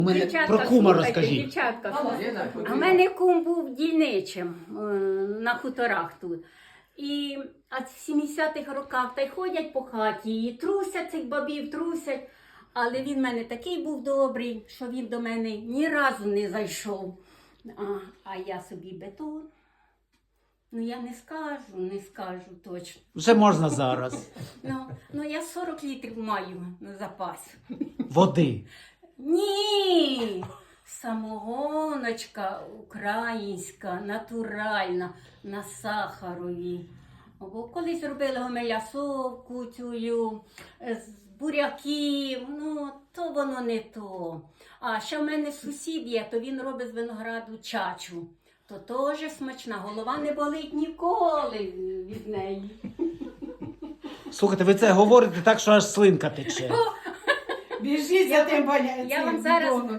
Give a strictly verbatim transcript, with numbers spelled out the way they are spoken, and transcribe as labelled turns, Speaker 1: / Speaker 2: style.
Speaker 1: У мене
Speaker 2: Дівчатка,
Speaker 1: про кума
Speaker 2: слухайте,
Speaker 1: розкажіть.
Speaker 2: Дівчатка, а в мене кум був дільничим е, на хуторах тут. І а в сімдесятих роках та й ходять по хаті, і трусять цих бабів, трусять. Але він в мене такий був добрий, що він до мене ні разу не зайшов. А, а я собі бетон. Ну я не скажу, не скажу точно.
Speaker 1: Вже можна зараз.
Speaker 2: Ну, ну я сорок літрів маю на запас.
Speaker 1: Води.
Speaker 2: Ні! Самогоночка українська, натуральна, на сахарові. Бо колись робили гомелясовку цю, з буряків, ну, то воно не то. А ще в мене сусід є, то він робить з винограду чачу. То теж смачна, голова не болить ніколи від неї.
Speaker 1: Слухайте, ви це говорите так, що аж слинка тече.
Speaker 3: Біжіть за тим
Speaker 2: Я вам зараз